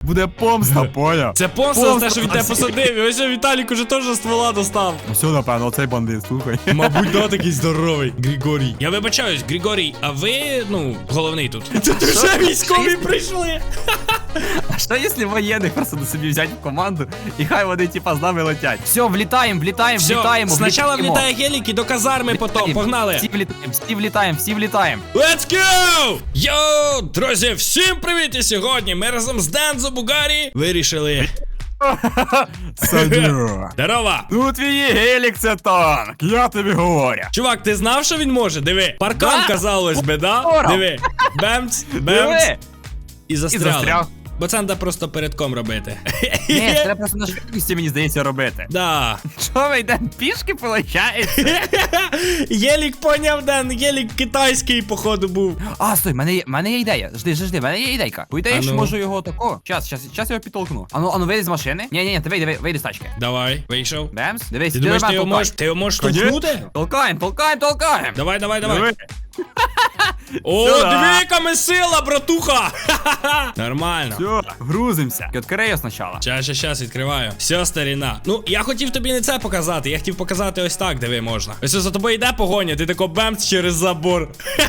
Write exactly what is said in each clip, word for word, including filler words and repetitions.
буде помста, поняв? Це помста за те, що він тебе посадив. І ось Віталік уже теж ствола достав. Ну все, напевно, оцей бандит, слухай. Мабуть, да, такий здоровий. Григорій. Я вибачаюсь, Григорій, а ви, ну, головний тут. Це ти вже військові прийшли. А що якщо воєнних просто до собі взяти в команду, і хай вони, типа, з нами летять? Все, влітаємо, влітаємо, Все, влітаємо. спочатку влітаємо. влітає гелік і до казарми потім. Погнали. Всі влітаємо, всі влітаємо, всі влітаємо. Let's go! Йоу, друзі, всім привіт! І сьогодні ми разом з Дензо Бугарі вирішили... Садю. Здорово! Ну твій гелік це танк, я тобі говорю. Чувак, ти знав, що він може? Диви, паркан, Да. казалось би, да? Здорово. Диви, бемц, бемц, Диви. і І застряли. застряг. Бо це треба просто передком робити. Ні, треба просто на швидкості, мені здається, робити. Да. Що ми йдемо пішки, виходить? Єлік поняв, Ден, Єлік китайський, походу, був. А, стой, в мене є, в мене є ідея. Жди, жди, жди, в мене є ідейка. По ідеї, А що ну. можу його тако. Щас, щас, щас я його підтолкну. Ану, ану, вийди з машини. Ні, ні, ні, ти вийди, вийди з тачки. Давай, вийшов. Бемс, дивись, Ти думаєш, ти мене його толкай. можеш, ти його можеш Конечно. толкнути? Толкаємо, толкаємо, толкаємо. Давай, давай, давай. Диви. О, Сюда. диви, яка ми сила, братуха! Нормально. Все, грузимося. Відкрий його спочатку. Щас, щас, щас, відкриваю. Все, старіна. Ну, я хотів тобі не це показати, я хотів показати ось так, диви, можна. Ось за тобою йде погоня, ти тако бемц через забор.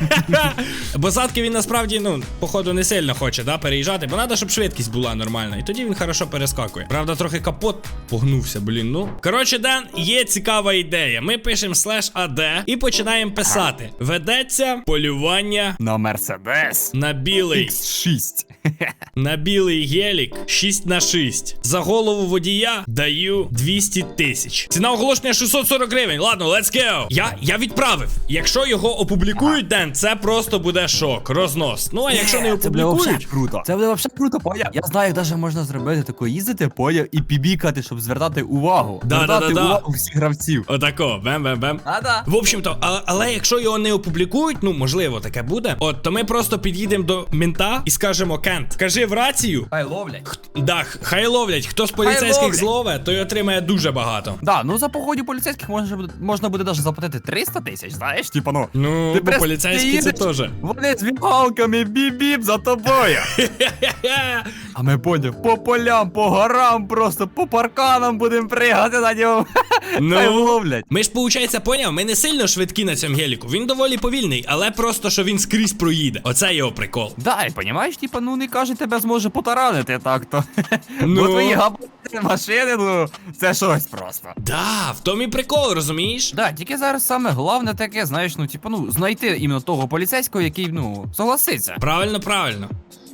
Бо задки він насправді, ну, походу, не сильно хоче, да, переїжджати, бо треба, щоб швидкість була нормальна. І тоді він хорошо перескакує. Правда, трохи капот погнувся, блін, ну. Коротше, Ден, є цікава ідея. Ми пишемо слеш ад і починаємо писати. Ведеться полювання На Мерседес на білий. ікс шість. На білий гелік шість на шість. За голову водія даю двісті тисяч. Ціна оголошення шістсот сорок гривень. Ладно, let's go. Я, я відправив. Якщо його опублікують, Ден, це просто буде шок, рознос. Ну, а якщо не Це буде вообще опублікують... круто. Це буде вообще круто, поняв. Я знаю, як навіть можна зробити тако їздити, поняв, і пібікати, щоб звертати увагу. Да, звертати да, да, да. увагу всіх гравців. Отако, бем-бем-бем. А-да. В общем-то, а, але якщо його не опублікують, ну, можливо, таке буде, от, то ми просто під'їдемо до мента і скажемо: Кент, кажи в рацію. Хай ловлять. Да, хай ловлять. Хто з поліцейських ловлять. злове, той отримає дуже багато. Да, ну за погодів поліцейських можна буде, можна буде навіть заплатити триста тисяч, знаєш, типа, ну. Ну, Ти бо просто поліцейські це їдеш, теж. Вони з вігалками біп-біп за тобою. А ми поняв, по полям, по горам, просто по парканам будемо пригати на ньому. Хай Ну, ловлять. ми ж, получається, поняв, ми не сильно швидкі на цьому геліку. Він доволі повільний, але просто, що він скрізь проїде. Оце його прикол. Да, і понімаєш, типа, ну не каже, тебе зможе потаранити так-то. Ну. Бо твої габарити машини, ну, це щось просто. Да, в тому і прикол, розумієш? Да, тільки зараз саме головне таке, знаєш, ну, типа, ну, знайти іменно того поліцейського, який, ну, согласиться. Правильно, правильно.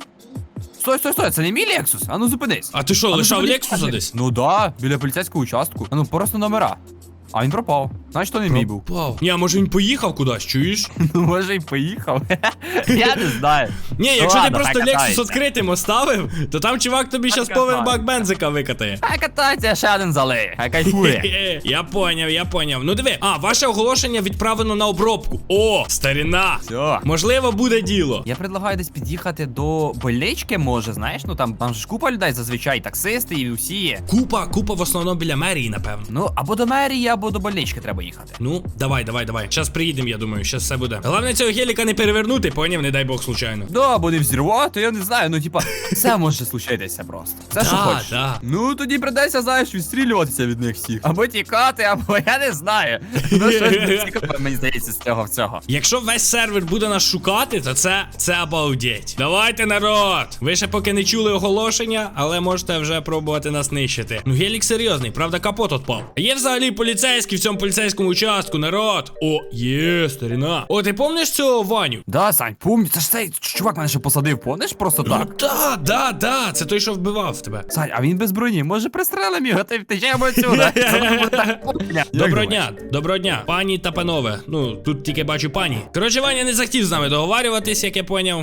Стой, стой, стой, це не мій Лексус? А ну зупинись. А ти що, А ну, лишав зупинись, Лексуса скажи. десь? Ну да, біля поліцейського участку. А ну просто номера. А він пропав. Значить, то не мій був. Пропав. Ні, а може він поїхав кудись, чуєш? Ну, може й поїхав. Я не знаю. Ні, Ну, якщо ти ладно, просто хай Лексус катається. відкритим оставив, то там чувак тобі щас повен катається. бак бензика викатає. Хай катається, ще один залиє. Хай кайфує. Я поняв, я поняв. Ну диви, а, ваше оголошення відправлено на обробку. О, старіна. Все. Можливо, буде діло. Я предлагаю десь під'їхати до больнички, може, знаєш, ну там, там же ж купа людей зазвичай, таксисти і усі є. Купа, купа в основному біля мерії, напевно. Ну, або до мерії, або до больнички треба їхати. Ну, давай, давай, давай. Щас приїдемо, я думаю, щас все буде. Головне цього геліка не перевернути, поняв, не дай Бог случайно. Да, або не взірвати, я не знаю, ну типа, все може случитися просто. Все, що Да, хочеш. да. Ну, тоді придеться, знаєш, відстрілюватися від них всіх. Або тікати, або я не знаю. Ну, щось не цікаве, мені здається, з цього всього. Якщо весь сервер буде нас шукати, то це, це обалдеть. Давайте, народ! Ви ще поки не чули оголошення, але можете вже пробувати нас нищити. Ну, гелік серйозний, правда, капот отпав. Є взагалі поліцейський в цьому поліцейському участку, народ. О, є, старіна. О, ти помниш цього Ваню? Да, Сань, помню, це ж цей чувак мене ще посадив, помниш, просто так. Ну, да, да, да, це той, що вбивав тебе. Сань, а він без броні, може пристрелим його, ти втечемо отсюда. Це буде так путня. Доброго дня, доброго дня, пані та панове. Ну, тут тільки бачу пані. Коротше, Ваня не захотів з нами договарюватись, як я поняв.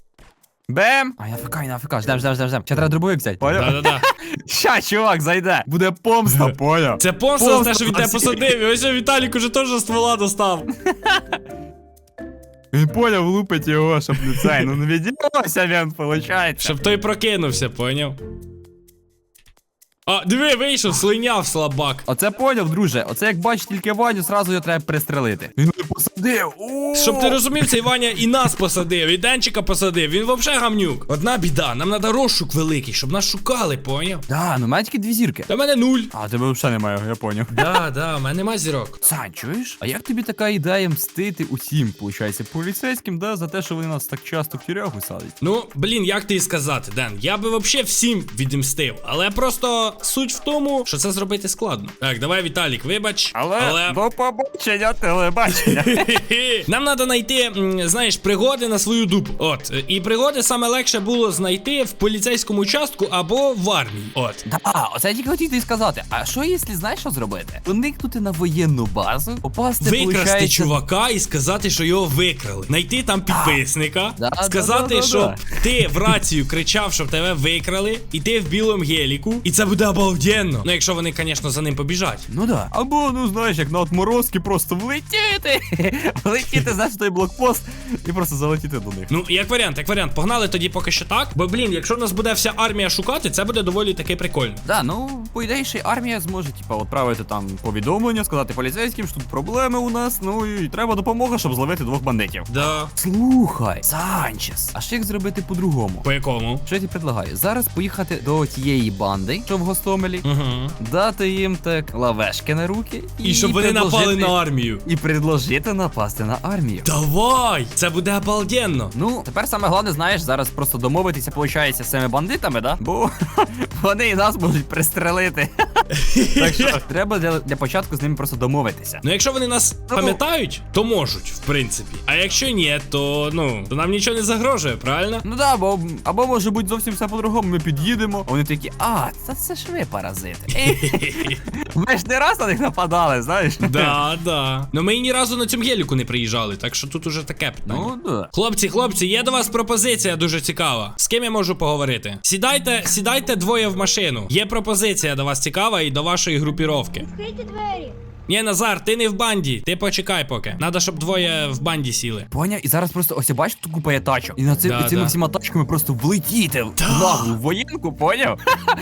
Бем! А я фк, я фк, ждем, ждем, ждем, ждем. Ще треба дробовик взяти, поняв? Да-да-да. Ща, чувак, зайде. Буде помста, поняв? Це помста за те, Помста що він тебе за всіх. посадив. І ось Віталік уже теж ствола достав. Він поняв, лупить його, щоб не цей. Ну не відділося він, виходить. Щоб той прокинувся, поняв? А, диви, вийшов, слиняв слабак. Оце поняв, друже. Оце як бачиш тільки Ваню, зразу його треба пристрелити. Він не посадив. Де? О! Щоб ти розумів, цей Ваня і нас посадив, і Денчика посадив. Він вообще гамнюк. Одна біда, нам треба розшук великий, щоб нас шукали, поняв? Да, ну в мене тільки дві зірки. Та в мене нуль. А, тебе взагалі немає, я поняв. Да, да, в мене нема зірок. Сань, чуєш? А як тобі така ідея мстити усім, виходить, поліцейським, да, за те, що вони нас так часто в тюрягу садять? Ну, блін, як ти і сказати, Ден, я би вообще всім відімстив, але просто суть в тому, що це зробити складно. Так, давай, Віталік, вибач. Але, до побачення, телебачення. Нам треба знайти, м, знаєш, пригоди на свою дупу. От. І пригоди саме легше було знайти в поліцейському участку або в армії. От. Да, оце я тільки хотів тобі сказати. А що, якщо знаєш, що зробити? Проникнути на воєнну базу, попасти, Викрасти получається... чувака і сказати, що його викрали. Найти там підписника, Да, да, сказати, да, да, що да. ти в рацію кричав, щоб тебе викрали, і ти в білому геліку, і це буде обалденно. Ну, якщо вони, звісно, за ним побіжать. Ну да. Або, ну знаєш, як на отморозки просто влетіти. Влетіти, знаєш, в той блокпост і просто залетіти до них. Ну, як варіант, як варіант, погнали тоді поки що так. Бо, блін, якщо нас буде вся армія шукати, це буде доволі таки прикольно. Да, ну, по ідеї, ще й армія зможе, типа, відправити там повідомлення, сказати поліцейським, що тут проблеми у нас, ну і треба допомога, щоб зловити двох бандитів. Да. Слухай, Санчес, а що як зробити по-другому? По якому? Що я тобі предлагаю? Зараз поїхати до тієї банди, що в Гостомелі, Угу. дати їм так лавешки на руки І щоб вони напали на армію. І предложити напасти на армію. Давай! Це буде обалденно. Ну, тепер саме головне, знаєш, зараз просто домовитися, виходить, з цими бандитами, да? Бо вони і нас можуть пристрелити. Так що треба для, для початку з ними просто домовитися. Ну, якщо вони нас Ну, пам'ятають, то можуть, в принципі. А якщо ні, то ну, то нам нічого не загрожує, правильно? Ну да, або, або може бути зовсім все по-другому, ми під'їдемо, а вони такі, а, це, це ж ви паразити. Ми ж не раз на них нападали, знаєш? Да, да. Ну ми і ні разу на цьому геліку не приїжджали, так що тут уже таке питання. Ну да. Хлопці, хлопці, є до вас пропозиція дуже цікава. З ким я можу поговорити? Сідайте, сідайте двоє в машину. Є пропозиція до вас цікава і до вашої групіровки. Відкрийте двері. Ні, Назар, ти не в банді. Ти почекай поки. Надо, щоб двоє в банді сіли. Поняв, і зараз просто ось я бачу, тут купа є тачок. І на цим, Да, і цими да. всіма тачками просто влетіти в наглу воєнку, поняв?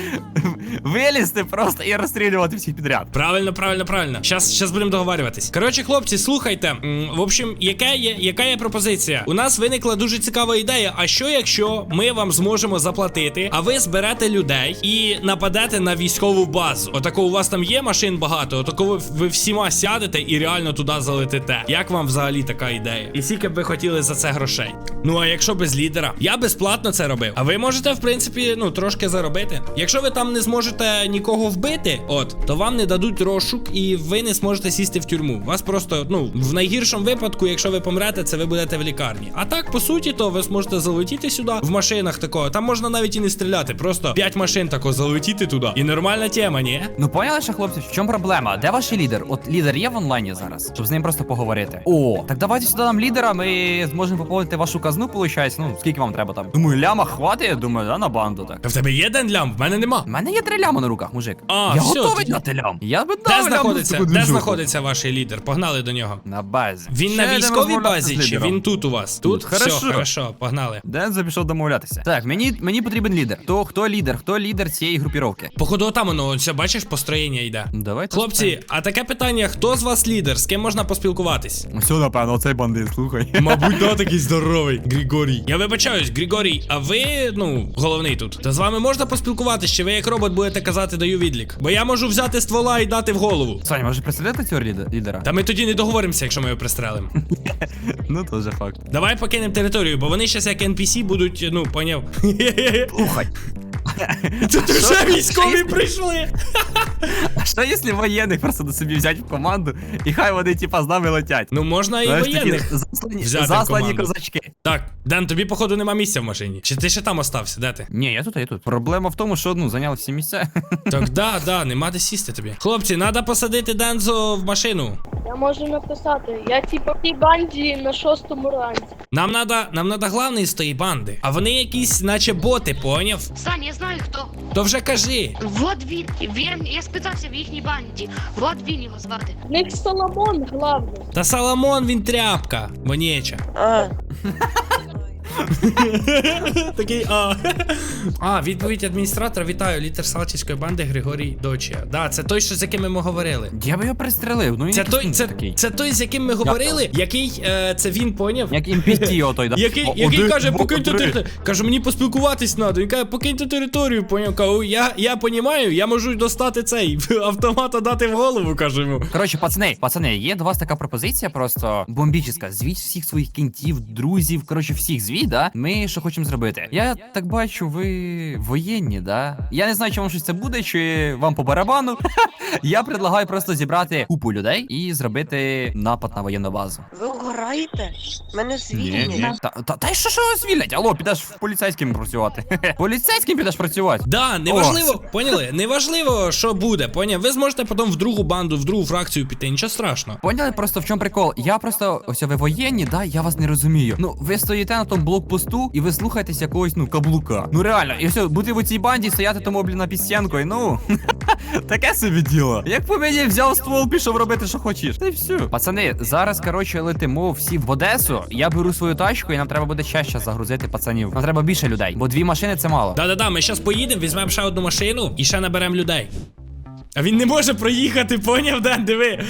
Вилізти просто і розстрілювати всіх підряд. Правильно, правильно, правильно. Щас, щас будемо договарюватись. Коротше, хлопці, слухайте. М, В общем, яка є, яка є пропозиція? У нас виникла дуже цікава ідея. А що якщо ми вам зможемо заплатити, а ви зберете людей і нападете на військову базу? Отако у вас там є машин багато, отако ви, ви всіма сядете і реально туди залетите. Як вам взагалі така ідея? І скільки б ви хотіли за це грошей? Ну а якщо без лідера? Я безплатно це робив. А ви можете, в принципі, ну трошки заробити. Якщо ви там не зможете нікого вбити, от, то вам не дадуть розшук і ви не зможете сісти в тюрму. Вас просто, ну, в найгіршому випадку, якщо ви помрете, це ви будете в лікарні. А так, по суті, то ви зможете залетіти сюди в машинах такого. Там можна навіть і не стріляти, просто п'ять машин тако залетіти туди. І нормальна тема, ні? Ну поняли ще, хлопці, в чому проблема? Де ваш лідер? От лідер є в онлайні зараз, щоб з ним просто поговорити. О, так давайте сюди нам лідера, ми зможемо поповнити вашу казну, виходить. Ну, скільки вам треба там? Думаю, ляма хватить, думаю, да, на банду так. А в тебе є ден лям? В мене нема. У мене є три ляма на руках, мужик. А, я все, готовий тоді. дати лям. Я би дав Де лям знаходиться, на таку де движуху. знаходиться ваш лідер? Погнали до нього. На базі. Він Ще на йдемо військовій розмовлятися з базі, чи лідером. він тут у вас? Тут? Тут, Все, хорошо. хорошо, погнали. Дензо пішов домовлятися. Так, мені, мені потрібен лідер. То хто лідер? Хто лідер цієї групіровки? Походу, там воно, ось, бачиш, построєння йде. Давайте. Хлопці, а таке питання: хто з вас лідер? З ким можна поспілкуватись? Все, напевно, оцей бандит, слухай. Мабуть, да, такий здоровий. Григорій. Я вибачаюсь, Григорій, а ви, ну, головний тут. Та з вами можна поспілкуватись, чи ви як робот будете казати даю відлік? Бо я можу взяти ствола і дати в голову. Саня, може представляти цього ліде- лідера? Та ми тоді не договоримося, якщо ми його пристрелимо. Ну, то вже факт. Давай покинемо територію, бо вони щас як ен пі сі будуть, ну, поняв. Слухай. Тут вже військові прийшли. А що якщо воєнних просто до собі взяти в команду, і хай вони типа з нами летять? Ну можна і Знаєш, такі воєнних. заслані, взяти в заслані команду. козачки. Так, Ден, тобі, походу, нема місця в машині. Чи ти ще там остався? Де ти? Ні, я тут, я тут. Проблема в тому, що ну зайняли всі місця. Так, да, да, нема де сісти тобі. Хлопці, треба посадити Дензо в машину. Я можу написати. Я типа в тій банді на шостому ранці. Нам надо, нам надо главний з тої банди. А вони якісь, наче боти, поняв? Сань, я знаю хто. То вже кажи. Вот він. Він, я спитався в їхній банді. Вот він його звати. В них Соломон главний. Та Соломон він тряпка, вонєча. А. Такий а. А, відповідь адміністратора. Вітаю, лідер Салтівської банди Григорій Дочія. Да, це той, що з яким ми говорили. Я би його пристрелив, ну він Це якийсь той, це, такий. це той, з яким ми говорили, який е, це він поняв. Як ем пі ті отой, да? Який, О, який один, каже, два, покиньте три. територію. Каже, мені поспілкуватись треба. Він каже, покиньте територію, поняв. Кажу, я, я понімаю, я можу достати цей автомата дати в голову, кажу йому. Коротше, пацани, пацани, є до вас така пропозиція просто бомбічна. Звіть всіх своїх кінтів, друзів, коротше, всіх звіть, да? Ми що хочемо зробити. Я так бачу, ви воєнні, да? Я не знаю, чи вам щось це буде, чи вам по барабану. Я предлагаю просто зібрати купу людей і зробити напад на воєнну базу. Ви угораєте? Мене звільнять. Та, та, та й що що звільнять? Алло, підеш в поліцейським працювати. Поліцейським підеш працювати. Да, неважливо, поняли? Неважливо, що буде, поняв? Ви зможете потім в другу банду, в другу фракцію піти, нічого страшного. Поняли просто в чому прикол? Я просто, ось ви воєнні, да, я вас не розумію. Ну, ви стоїте на тому блокпосту і ви слухаєтесь якогось, ну, каблука. Ну реально, і все, бути в цій банді, стояти тому, блін, на пістянкою, ну, таке собі діло. Як по мені взяв ствол, пішов робити, що хочеш. Та й все. Пацани, зараз, коротше, летимо всі в Одесу, я беру свою тачку і нам треба буде чаще загрузити пацанів. Нам треба більше людей, бо дві машини це мало. Да-да-да, ми зараз поїдемо, візьмемо ще одну машину і ще наберемо людей. А він не може проїхати, поняв, Ден, диви.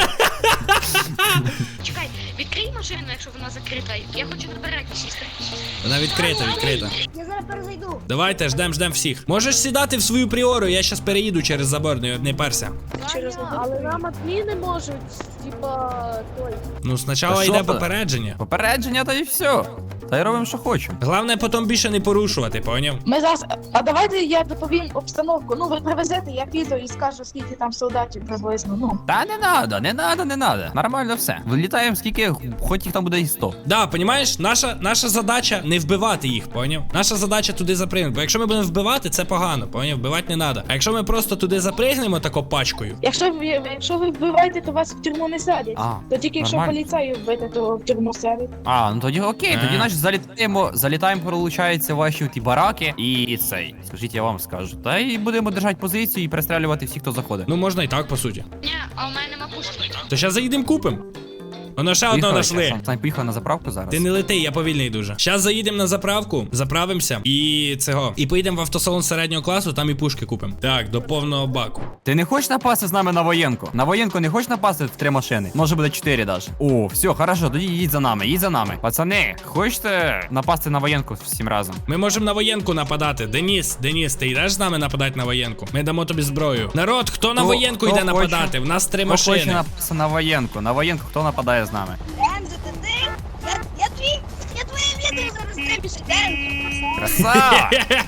Чекай, відкрий машину, якщо вона закрита. Я хочу наперед сісти. Вона відкрита, відкрита. Я зараз перезайду. Давайте, ждем, ждем всіх. Можеш сідати в свою пріору, я щас переїду через забор, не, не перся. Через але нам адміни можуть, типа, той. Ну, Та спочатку що йде ти? попередження. Попередження, та й все. Та й робимо, що хочемо. Головне потім більше не порушувати, поняв? Ми зараз. А давайте я доповім обстановку. Ну, ви привезете, я піду і скажу, скільки там солдатів приблизно. Ну. Та не надо, не надо, не надо. Нормально все. Вилітаємо скільки, хоч їх там буде і сто. Да, понімаєш, наша, наша задача не вбивати їх, поняв? Наша задача туди запригнути. Бо якщо ми будемо вбивати, це погано, поняв? Вбивати не треба. А якщо ми просто туди запригнемо тако пачкою. Якщо ви якщо ви вбиваєте, то вас в тюрму не садять. А, То тільки якщо нормально. поліцаю вбити, то в тюрму садять. А, ну тоді окей, тоді А. значить залітаємо, залітаємо, пролучаються ваші ті бараки і цей. Скажіть, я вам скажу. Та й будемо держати позицію і перестрілювати всіх, хто заходить. Ну можна і так, по суті. Ні, а у мене нема пушки. То зараз заїдемо купим. Воно ще одного Поїхали, нашли. Сань, поїхали на заправку зараз. Ти не лети, я повільний дуже. Зараз заїдемо на заправку, заправимося і цього. І поїдемо в автосалон середнього класу, там і пушки купимо. Так, до повного баку. Ти не хочеш напасти з нами на воєнку? На воєнку не хочеш напасти в три машини? Може буде чотири даже. О, все, хорошо, тоді їдь за нами, їдь за нами. Пацани, хочете напасти на воєнку всім разом? Ми можемо на воєнку нападати. Деніс, Деніс, ти йдеш з нами нападати на воєнку? Ми дамо тобі зброю. Народ, хто на Хто- воєнку хто йде хоче? нападати? В нас три Хто хоче машини. напасти на воєнку? На воєнку хто нападає з нами? Дензе, ти ти? Я, я твій, я твоє відео зараз трепішу, Дензе. Красава!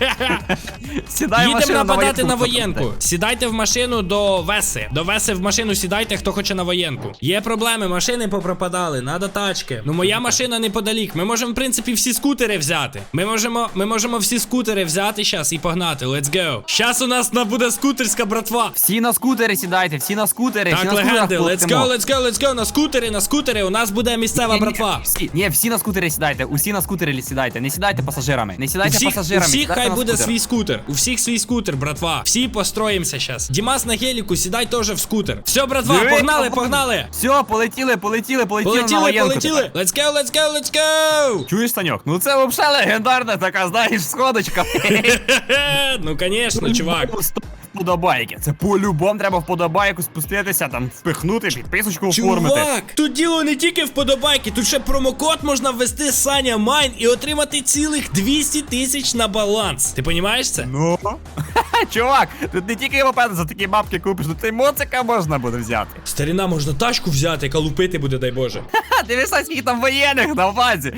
Сідай в Їдемо машину нападати на хто воєнку. нападе. Сідайте в машину до Веси. До Веси в машину сідайте, хто хоче на воєнку. Є проблеми, машини попропадали, надо тачки. Ну моя машина неподалік. Ми можемо, в принципі, всі скутери взяти. Ми можемо, ми можемо всі скутери взяти зараз і погнати. Let's go. Щас у нас на- буде скутерська братва. Всі на скутери сідайте, всі на скутери, всі Так, на скутерах легенди, let's полетимо. go, let's go, let's go. На скутери, на скутери. У нас буде місцева Ні, ні, братва. Всі, ні, всі на скутери сідайте, усі на скутері сідайте, не сідайте пасажирами, не У сідайте всіх, у пасажирами. всіх сідайте хай на буде скутер. свій скутер. У всіх свій скутер, братва. Всі построїмося зараз. Дімас на геліку, сідай теж в скутер. Все, братва, Диви, погнали, там- погнали. Все, полетіли, полетіли, полетіли, на Полетіли, воєнку полетіли. тепер. Let's go, let's go, let's go. Чуєш, Саньок? Ну це взагалі легендарна така, знаєш, сходочка. Хе-хе, ну, конечно, чувак. Вподобайки. Це по-любому треба вподобайку спуститися, там впихнути, підписочку оформити. Чувак, тут діло не тільки вподобайки, тут ще промокод можна ввести Саня Майн і отримати цілих двісті тисяч на баланс. Ти розумієш це? Ну. Чувак, тут не тільки мопед за такі бабки купиш, тут і моцика можна буде взяти. Старіна, можна тачку взяти, яка лупити буде, дай Боже. Ха, дивися, скільки там воєнних на базі.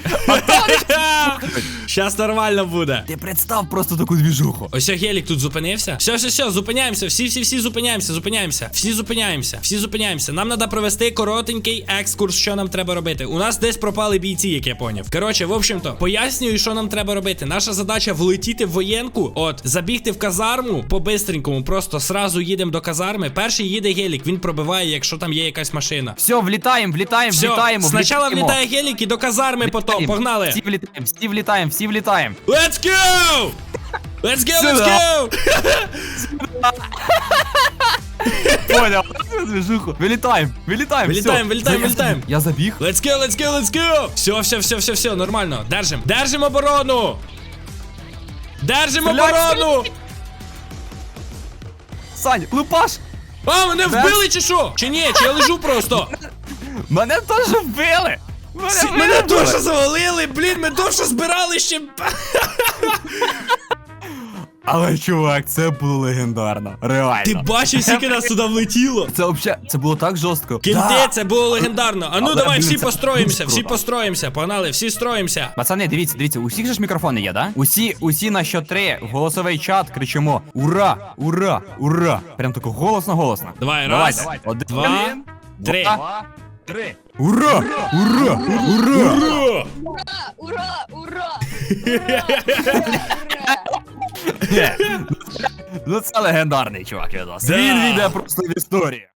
Щас нормально буде. Ти представ просто таку двіжуху. Ось гелік тут зупинився. Все, все, все, зупиняємося. Всі, всі, всі зупиняємося, зупиняємося. Всі зупиняємося, всі зупиняємося. Нам треба провести коротенький екскурс, що нам треба робити. У нас десь пропали бійці, як я поняв. Коротше, в общем-то, пояснюю, що нам треба робити. Наша задача влетіти в воєнку, от, забігти в казарму по-бистренькому, просто сразу їдемо до казарми. Перший їде гелік, він пробиває, якщо там є якась машина. Все, влітаємо, влітаємо, Все, влітаємо. спочатку влітаємо. влітає гелік і до казарми потім. Влітаємо. Погнали. Всі влітаємо, всі влітаємо, всі влітаємо. Let's go! Let's go, let's Сюда. go! поняв. Движуху. Вилітаємо, вилітаємо. Вилітаємо, всьо. вилітаємо, Я вилітаємо. забіг, Я забіг. Let's go, let's go, let's go! Все, все, все, все, все, нормально. Держим. Держим оборону! Держим Стріляй, оборону! Сань, лупаш! А, мене Де? вбили чи що? Чи ні? Чи я лежу просто? Мене теж вбили! Мене, Всі- вбили. Мене дуже завалили, блін, ми дуже збирали ще. Але, чувак, це було легендарно. Реально. Ти бачив, скільки нас туди влетіло? Це взагалі, це було так жорстко. Кінти, Да. це було легендарно. А ну Але, давай, блін, всі це построїмося, дуже всі круто. построїмося. Погнали, всі строїмося. Пацани, дивіться, дивіться, у всіх же ж мікрофони є, да? Усі, усі на що три в голосовий чат кричимо: ура, ура, ура! Прям тако голосно-голосно. Давай, Давайте. раз, Один, два, три. два, три. Ура! Ура! Ура! Ура! Ура, ура, ура! Ну це легендарний чувак від нас. Да. Він війде просто в історію.